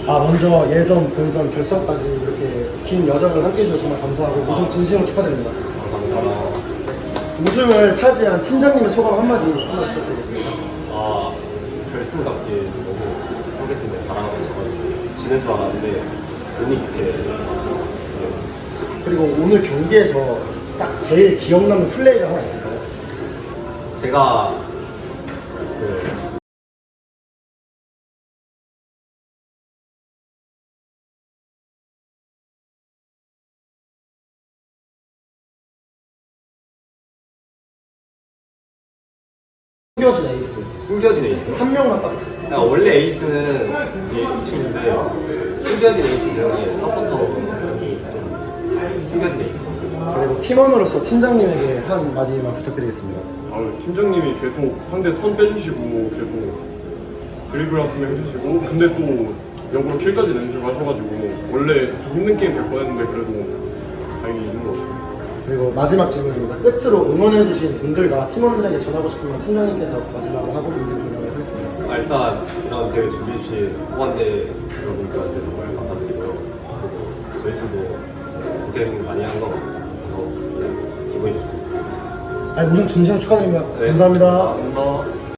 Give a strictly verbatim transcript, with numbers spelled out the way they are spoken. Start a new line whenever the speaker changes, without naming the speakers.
아 먼저 예선, 본선, 결선까지 이렇게 긴 여정을 함께 해주셔서 정말 감사하고 우승 진심으로 축하드립니다.
감사합니다.
우승을 차지한 팀장님의 소감 한마디 한번 부탁드리겠습니다.
아, 결승답게 지금 너무 상대팀에 잘하고 있어가지고 지는 줄 알았는데 운이 좋게 왔어요.
그리고 오늘 경기에서 딱 제일 기억 남는 플레이가 하나 있을까요?
제가 그
숨겨진 에이스
숨겨진 에이스.
한 명만 딱.
그러니까 원래 에이스는 이게 이 친구인데 숨겨진 에이스 중에 서포터이 좀 숨겨진 에이스.
그리고 팀원으로서 팀장님에게 한 마디만 부탁드리겠습니다.
아, 팀장님이 계속 상대 턴 빼주시고 계속 드리블 같은 거 해주시고 근데 또 역으로 킬까지 내주시고 하셔가지고 원래 좀 힘든 게임 될 뻔했는데 그래도 다행히 이긴 것 같습니다.
그리고 마지막 질문입니다. 끝으로 응원해주신 분들과 팀원들에게 전하고 싶은 건 팀장님께서 마지막으로 하고 인터뷰 종료를 하겠습니다.
아, 일단 이런 대회 준비해주신 후반대 여러분들한테 정말 감사드리고요. 그리고 저희 팀도 고생 많이 한 거 같아서 기분이 좋습니다.
아니, 우선 진심으로 축하드립니다.
네.
감사합니다.
감사합니다.